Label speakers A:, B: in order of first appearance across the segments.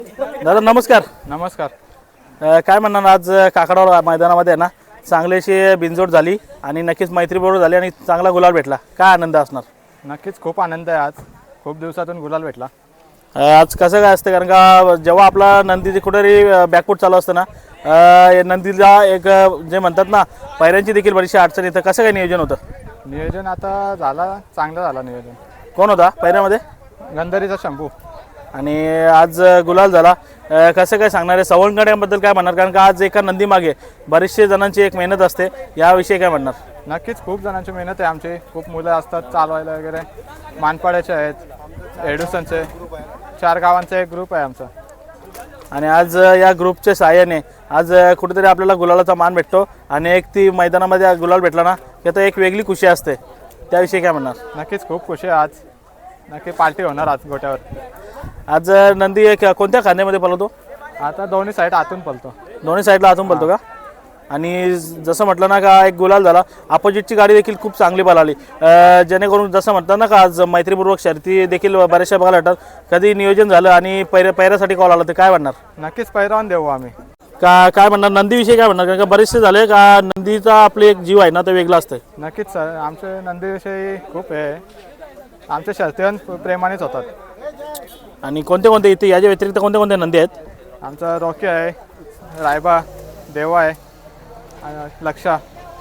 A: दादा नमस्कार.
B: नमस्कार.
A: काय म्हणणार आज काकडावर मैदानामध्ये आहे ना चांगलीशी बिनजोड झाली आणि नक्कीच मैत्रीबरोबर झाली आणि चांगला गुलाल भेटला. काय आनंद असणार?
B: नक्कीच खूप आनंद आहे. आज खूप दिवसातून गुलाल भेटला.
A: आज कसं काय असतं कारण का जेव्हा आपला नंदी कुठेतरी बॅकफूट चालू असतं ना नंदीला एक जे म्हणतात ना पायऱ्यांची देखील बरीचशी अडचण येतं. कसं काय नियोजन होतं?
B: नियोजन आता झाला, चांगलं झालं नियोजन.
A: कोण होता पायऱ्यामध्ये?
B: गंधारीचा शंभू.
A: आणि आज गुलाल झाला. कसं काय सांगणार आहे सवंगड्यांबद्दल काय म्हणणार? कारण का आज एका नंदी मागे बरेचसे जणांची एक मेहनत असते, याविषयी काय म्हणणार?
B: नक्कीच खूप जणांची मेहनत आहे. आमची खूप मुलं असतात चालवायला वगैरे. मानपाड्याचे आहेत, एडुसनचे, 4 गावांचा एक ग्रुप आहे आमचा.
A: आणि आज या ग्रुपच्या सहाय्याने आज कुठेतरी आपल्याला गुलालाचा मान भेटतो आणि एक ती मैदानामध्ये गुलाल भेटला ना की आता एक वेगळी खुशी असते, त्याविषयी काय म्हणणार?
B: नक्कीच खूप खुशी आहे. आज नक्की पार्टी होणार आज गोट्यावर.
A: आज नंदी एक कोणत्या खांद्यामध्ये पळतो?
B: आता दोन्ही साईड आतून पळतो.
A: दोन्ही साईडला आतून पळतो का? आणि जसं म्हटलं ना का एक गुलाल झाला. अपोजिटची गाडी देखील खूप चांगली पळाली, जेणेकरून जसं म्हणतात ना का आज मैत्रीपूर्वक शर्ती देखील बऱ्याचशा बघायला भेटतात. कधी नियोजन झालं आणि पैऱ्यासाठी कॉल आला तर काय म्हणणार?
B: नक्कीच पैरावून देऊ आम्ही.
A: काय म्हणणार नंदीविषयी? काय म्हणणार? कारण का बरेचसे झाले का नंदीचा आपले एक जीव आहे ना तो वेगळा असतं.
B: नक्कीच सर, आमचे नंदीविषयी खूप हे आमच्या शर्तीवर प्रेमानेच होतात.
A: आणि कोणते इथे याच्या व्यतिरिक्त कोणते नंदी आहेत?
B: आमचा रॉकी आहे, रायबा, देवा आहे, लक्षा.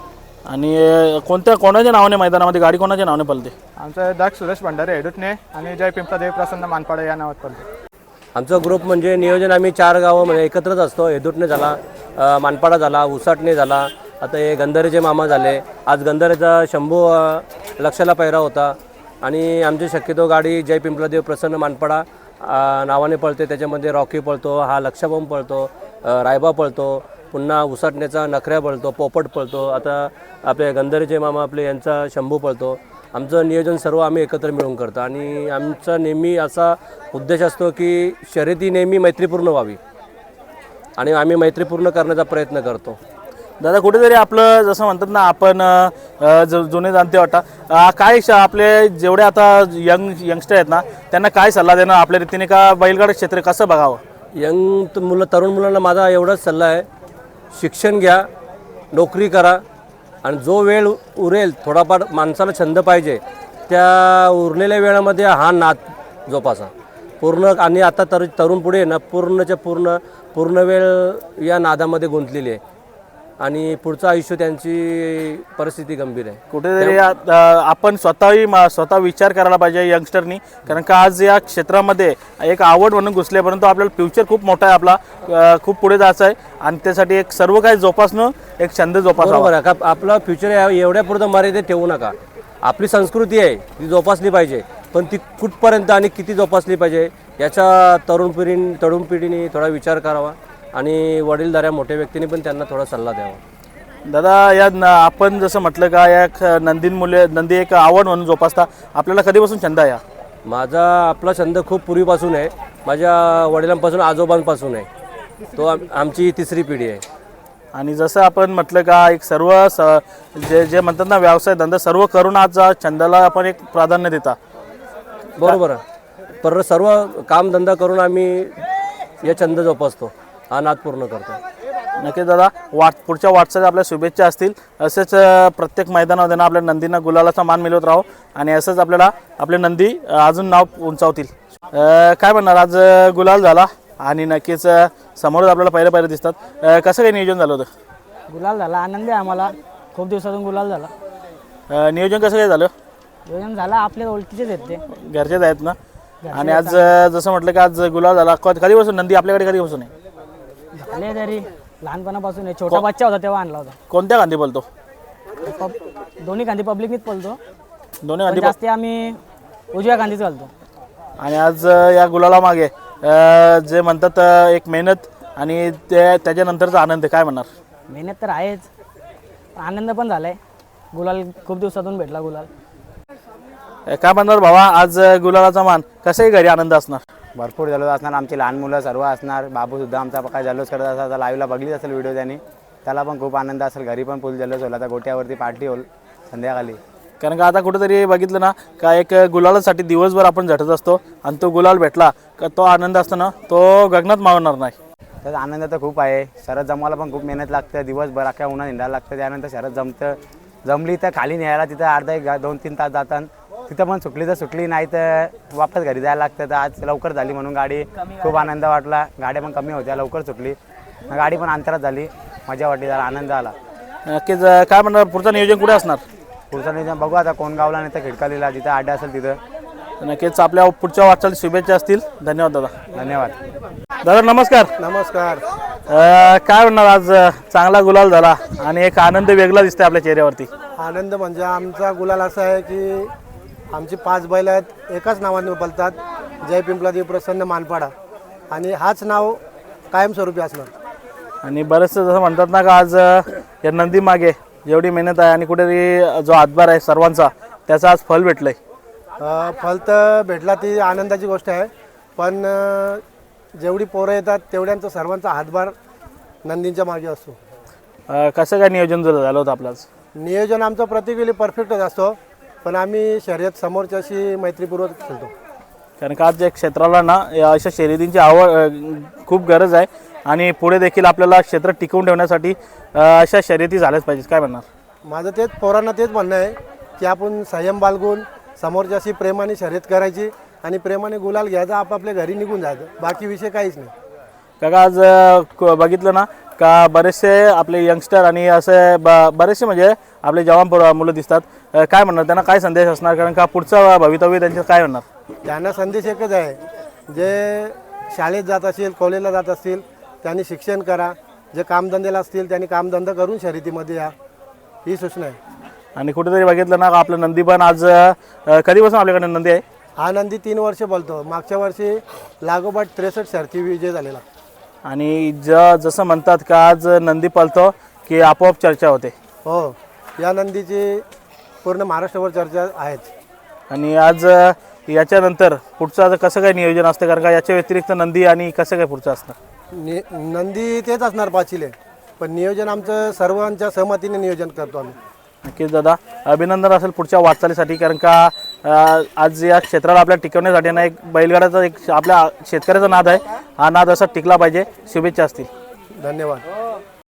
A: आणि कोणाच्या नावाने मैदानामध्ये गाडी कोणाच्या नावाने पळते?
B: आमचा दक्ष सुरेश भंडारे एडुटने आणि जय पिंपळा देव प्रसन्न मानपाडे या नावात पळते.
C: आमचा ग्रुप म्हणजे नियोजन आम्ही 4 गावं म्हणजे एकत्रच असतो. एदुटने झाला, मानपाडा झाला, उसाटणे झाला, आता हे गंधारीचे मामा झाले. आज गंधारीचा शंभू लक्षाला पैरा होता. आणि आमची शक्यतो गाडी जय पिंपळा देव प्रसन्न मानपाडा नावाने पळते. त्याच्यामध्ये रॉकी पळतो, हा लक्षाबॉम्ब पळतो, रायबा पळतो, पुन्हा उसाटण्याचा नखऱ्या पळतो, पोपट पळतो, आता आपले गंधारीचे मामा आपले यांचा शंभू पळतो. आमचं नियोजन सर्व आम्ही एकत्र मिळून करतो आणि आमचा नेहमी असा उद्देश असतो की शर्यती नेहमी मैत्रीपूर्ण व्हावी आणि आम्ही मैत्रीपूर्ण करण्याचा प्रयत्न करतो.
A: दादा कुठेतरी आपलं जसं म्हणतात ना आपण जुने जाणते वाटता काय आपले जेवढे आता यंगस्टर आहेत ना त्यांना काय सल्ला देणं आपल्या रीतीने का बैलगाडा क्षेत्र कसं बघावं?
C: तरुण मुलांना माझा एवढाच सल्ला आहे, शिक्षण घ्या, नोकरी करा आणि जो वेळ उरेल थोडाफार माणसाला छंद पाहिजे त्या उरलेल्या वेळामध्ये हा नाद जोपासा पूर्ण. आणि आता तरुण पुढे ना पूर्ण वेळ या नादामध्ये गुंतलेली आहे आणि पुढचं आयुष्य त्यांची परिस्थिती गंभीर आहे.
A: कुठेतरी आपण स्वतः विचार करायला पाहिजे यंगस्टरनी, कारण का आज या क्षेत्रामध्ये एक आवड म्हणून घुसले, परंतु आपल्याला फ्युचर खूप मोठा आहे, आपला खूप पुढे जायचं आहे आणि त्यासाठी एक सर्व काही जोपासणं एक छंद जोपासावा.
C: बरोबर आहे का? आपला फ्युचर एवढ्या पुढं मर्यादित ठेवू नका. आपली संस्कृती आहे ती जोपासली पाहिजे, पण ती कुठपर्यंत आणि किती जोपासली पाहिजे याचा तरुण पिढीने थोडा विचार करावा आणि वडीलधाऱ्या मोठ्या व्यक्तींनी पण त्यांना थोडा सल्ला द्यावा.
A: दादा या आपण जसं म्हटलं का या नंदी एक आवड म्हणून जोपासता, आपल्याला कधीपासून छंद आहे?
C: आपला छंद खूप पूर्वीपासून आहे, माझ्या वडिलांपासून आजोबांपासून आहे. तो आमची 3री पिढी आहे.
A: आणि जसं आपण म्हटलं का एक सर्व जे म्हणतात ना व्यवसाय धंदा सर्व करून आज छंदाला आपण एक प्राधान्य देता.
C: बरोबर आहे. पर सर्व कामधंदा करून आम्ही या छंद जोपासतो, हा नाद पूर्ण करतो.
A: नक्कीच दादा पुढच्या वाटचाली आपल्या शुभेच्छा असतील. असेच प्रत्येक मैदानामध्ये ना आपल्या नंदींना गुलालाचा मान मिळवत राहो आणि असंच आपल्याला आपले नंदी अजून नाव उंचावतील. काय म्हणणार आज गुलाल झाला आणि नक्कीच समोरच आपल्याला पहिलं दिसतात. कसं काही नियोजन झालं होतं?
D: गुलाल झाला, आनंद आहे आम्हाला. खूप दिवसातून गुलाल झाला.
A: नियोजन कसं काय झालं?
D: नियोजन झालं, आपल्या ओळखीचेच आहेत ते,
A: घरचेच आहेत ना. आणि आज जसं म्हटलं की आज गुलाल झाला, कधीपासून नंदी आपल्याकडे कधीपासून आहे?
D: झाले तरी लहानपणापासून आहे. छोटा बच्चा होता तेव्हा आणला होता.
A: कोणत्या गांधी बोलतो?
D: दोन्ही गांधी पब्लिकनीच पळतो.
A: दोन्ही गांधी
D: जास्त आम्ही उजव्या गांधीच घालतो.
A: आणि आज या गुलाला मागे जे म्हणतात एक मेहनत आणि त्याच्यानंतरचा आनंद, काय म्हणणार?
D: मेहनत तर आहेच, आनंद पण झालाय. गुलाल खूप दिवसातून भेटला गुलाल.
A: काय म्हणणार भावा आज गुलालाचा मान कसंही घरी आनंद असणार?
E: भरपूर जल्लोष असणार, आमची लहान मुलं सर्व असणार. बाबूसुद्धा आमचा काय जल्लोष करत असा लाईव्हला बघलीच असेल व्हिडिओ त्यांनी, त्याला पण खूप आनंद असेल. घरी पण फुल जल्लोष होईल. आता गोट्यावरती पार्टी होईल संध्याकाळी.
A: कारण का आता कुठेतरी बघितलं ना का एक गुलालासाठी दिवसभर आपण झटत असतो आणि तो गुलाल भेटला का तो आनंद असताना तो गगनात मावणार नाही.
E: तर आनंद तर खूप आहे. शरद जमवायला पण खूप मेहनत लागते, दिवसभर अख्ख्या उन्हात हिंडायला लागतं. त्यानंतर शरद जमली तर खाली न्यायला तिथं अर्धा 2-3 तास जातात. तिथं पण सुटली तर सुटली, नाही तर वापस घरी जायला लागतं. तर आज लवकर झाली म्हणून गाडी खूप आनंद वाटला. गाड्या पण कमी होत्या, लवकर सुटली, गाडी पण अंतरात झाली, मजा वाटली, जरा आनंद आला.
A: नक्कीच काय म्हणणार पुढचं नियोजन कुठे असणार?
E: पुढचं नियोजन बघू आता, कोण गावला नाही तर खिडकालीला जिथं अड्डा असेल तिथं.
A: नक्कीच आपल्या पुढच्या वाटचाल शुभेच्छा असतील. धन्यवाद दादा.
E: धन्यवाद.
A: दादा नमस्कार.
F: नमस्कार.
A: काय म्हणणार आज चांगला गुलाल झाला आणि एक आनंद वेगळा दिसतोय आपल्या चेहऱ्यावरती.
F: आनंद म्हणजे आमचा गुलाल असा आहे की आमची 5 बैल आहेत, एकाच नावाने बोलतात, जय पिंपलादेवी प्रसन्न मानपाडा, आणि हाच नाव कायमस्वरूपी असणार.
A: आणि बरेचसे जसं म्हणतात ना का आज या नंदी मागे जेवढी मेहनत आहे आणि कुठेतरी जो हातभार आहे सर्वांचा त्याचं आज फल भेटलंय.
F: फल तर भेटला ती आनंदाची गोष्ट आहे, पण जेवढी पोरं येतात तेवढ्यांचा सर्वांचा हातभार नंदींच्या मागे असतो.
A: कसं काय नियोजन झालं होतं आपलं आज?
F: नियोजन आमचं प्रत्येक वेळी परफेक्टच असतो, पण आम्ही शर्यत समोरच्याशी मैत्रीपूर्वक खेळतो.
A: कारण का आज या क्षेत्राला ना या अशा शर्यतींची आवड खूप गरज आहे आणि पुढे देखील आपल्याला क्षेत्र टिकवून ठेवण्यासाठी अशा शर्यती झाल्याच पाहिजेत. काय म्हणणार?
F: माझं तेच पोरांना तेच म्हणणं आहे की आपण संयम बाळगून समोरच्याशी प्रेमाने शर्यत करायची आणि प्रेमाने गुलाल घ्यायचा, आपापल्या घरी निघून जायचं, बाकी विषय काहीच नाही.
A: काका आज बघितलं ना का बरेचसे आपले यंगस्टर आणि असे बरेचसे म्हणजे आपले जवान मुलं दिसतात. काय म्हणणार त्यांना, काय संदेश असणार? कारण का पुढचं भवितव्य त्यांचं काय म्हणणार?
F: त्यांना संदेश एकच आहे, जे शाळेत जात असतील, कॉलेजला जात असतील त्यांनी शिक्षण करा, जे कामधंद्याला असतील त्यांनी कामधंदा करून शर्यतीमध्ये या, ही सूचना आहे.
A: आणि कुठेतरी बघितलं ना आपलं नंदी पण आज कधीपासून आपल्याकडे नंदी आहे?
F: हा नंदी 3 वर्ष बोलतो, मागच्या वर्षी लागोपाठ 63 शर्ती विजय झालेला.
A: आणि जसं म्हणतात का आज नंदी पळतो की आपोआप चर्चा होते.
F: हो, या नंदीची पूर्ण महाराष्ट्रावर चर्चा आहेच.
A: आणि आज याच्यानंतर पुढचं आता कसं काय नियोजन असतं? कारण का याच्या व्यतिरिक्त नंदी आणि कसं काय पुढचं असतं?
F: नंदी तेच असणार पाचीले, पण नियोजन आमचं सर्वांच्या सहमतीने नियोजन करतो आम्ही.
A: नक्कीच दादा, अभिनंदन असेल पुढच्या वाटचालीसाठी. कारण का आज या क्षेत्राला आपल्या टिकवण्यासाठी ना एक बैलगाड्याचा एक आपल्या शेतकऱ्याचा नाद आहे, हा नाद असा टिकला पाहिजे. शुभेच्छा असतील.
F: धन्यवाद.